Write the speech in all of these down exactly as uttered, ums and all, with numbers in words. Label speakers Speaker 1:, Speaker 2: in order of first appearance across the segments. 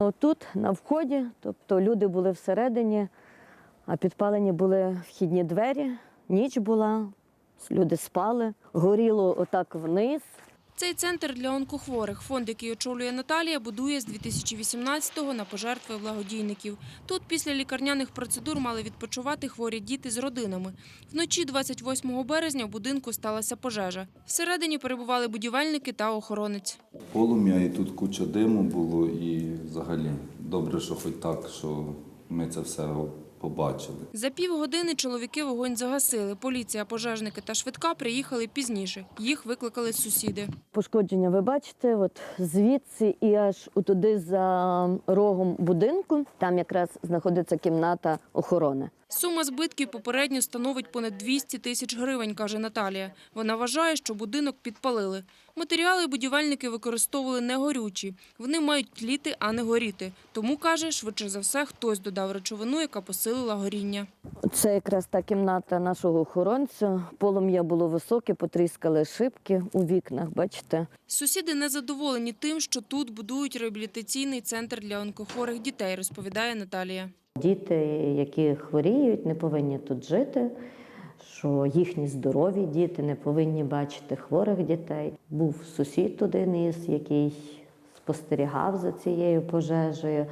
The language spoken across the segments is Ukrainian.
Speaker 1: Тут на вході, тобто люди були всередині, а підпалені були вхідні двері, ніч була, люди спали, горіло отак вниз.
Speaker 2: Цей центр для онкохворих, фонд, який очолює Наталія, будує з дві тисячі вісімнадцятого на пожертви благодійників. Тут після лікарняних процедур мали відпочивати хворі діти з родинами. Вночі двадцять восьмого березня в будинку сталася пожежа. Всередині перебували будівельники та охоронець.
Speaker 3: Полум'я, і тут куча диму було, і взагалі добре, що хоч так, що ми це все побачили.
Speaker 2: За півгодини чоловіки вогонь загасили. Поліція, пожежники та швидка приїхали пізніше. Їх викликали сусіди.
Speaker 1: Пошкодження ви бачите, от звідси і аж туди за рогом будинку, там якраз знаходиться кімната охорони.
Speaker 2: Сума збитків попередньо становить понад двісті тисяч гривень, каже Наталія. Вона вважає, що будинок підпалили. Матеріали будівельники використовували негорючі. Вони мають тліти, а не горіти. Тому, каже, швидше за все, хтось додав речовину, яка посилила горіння.
Speaker 1: Це якраз та кімната нашого охоронця. Полум'я було високе, потріскали шибки у вікнах, бачите.
Speaker 2: Сусіди незадоволені тим, що тут будують реабілітаційний центр для онкохворих дітей, розповідає Наталія.
Speaker 1: Діти, які хворіють, не повинні тут жити, що їхні здорові діти не повинні бачити хворих дітей. Був сусід один із, який спостерігав за цією пожежею,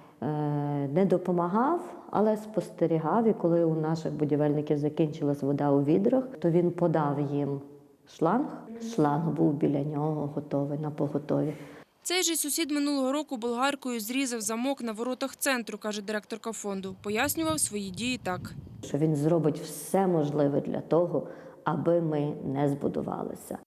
Speaker 1: не допомагав, але спостерігав. І коли у наших будівельників закінчилась вода у відрах, то він подав їм шланг. Шланг був біля нього готовий, на поготові.
Speaker 2: Цей же сусід минулого року болгаркою зрізав замок на воротах центру, каже директорка фонду. Пояснював свої дії так.
Speaker 1: Що він зробить все можливе для того, аби ми не збудувалися.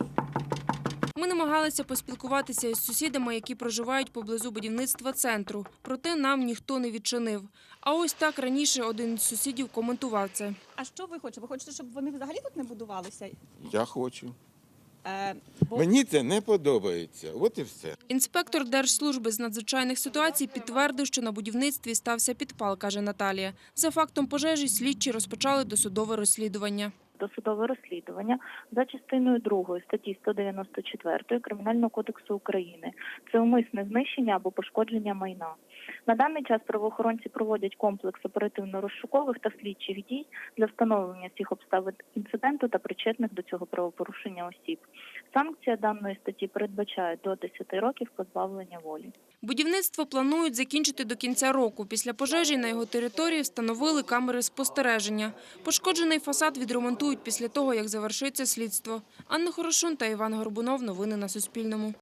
Speaker 2: Ми намагалися поспілкуватися із сусідами, які проживають поблизу будівництва центру. Проте нам ніхто не відчинив. А ось так раніше один із сусідів коментував це.
Speaker 4: А що ви хочете? Ви хочете, щоб вони взагалі тут не будувалися?
Speaker 5: Я хочу.
Speaker 4: Е, бо...
Speaker 5: Мені це не подобається. От і все.
Speaker 2: Інспектор Держслужби з надзвичайних ситуацій підтвердив, що на будівництві стався підпал, каже Наталія. За фактом пожежі слідчі розпочали досудове розслідування.
Speaker 6: Досудове розслідування за частиною другої статті сто дев'яносто чотири Кримінального кодексу України. Це умисне знищення або пошкодження майна. На даний час правоохоронці проводять комплекс оперативно-розшукових та слідчих дій для встановлення всіх обставин інциденту та причетних до цього правопорушення осіб. Санкція даної статті передбачає до десяти років позбавлення волі.
Speaker 2: Будівництво планують закінчити до кінця року. Після пожежі на його території встановили камери спостереження. Пошкоджений фасад відремонтують після того, як завершиться слідство. Анна Хорошун та Іван Горбунов. Новини на Суспільному.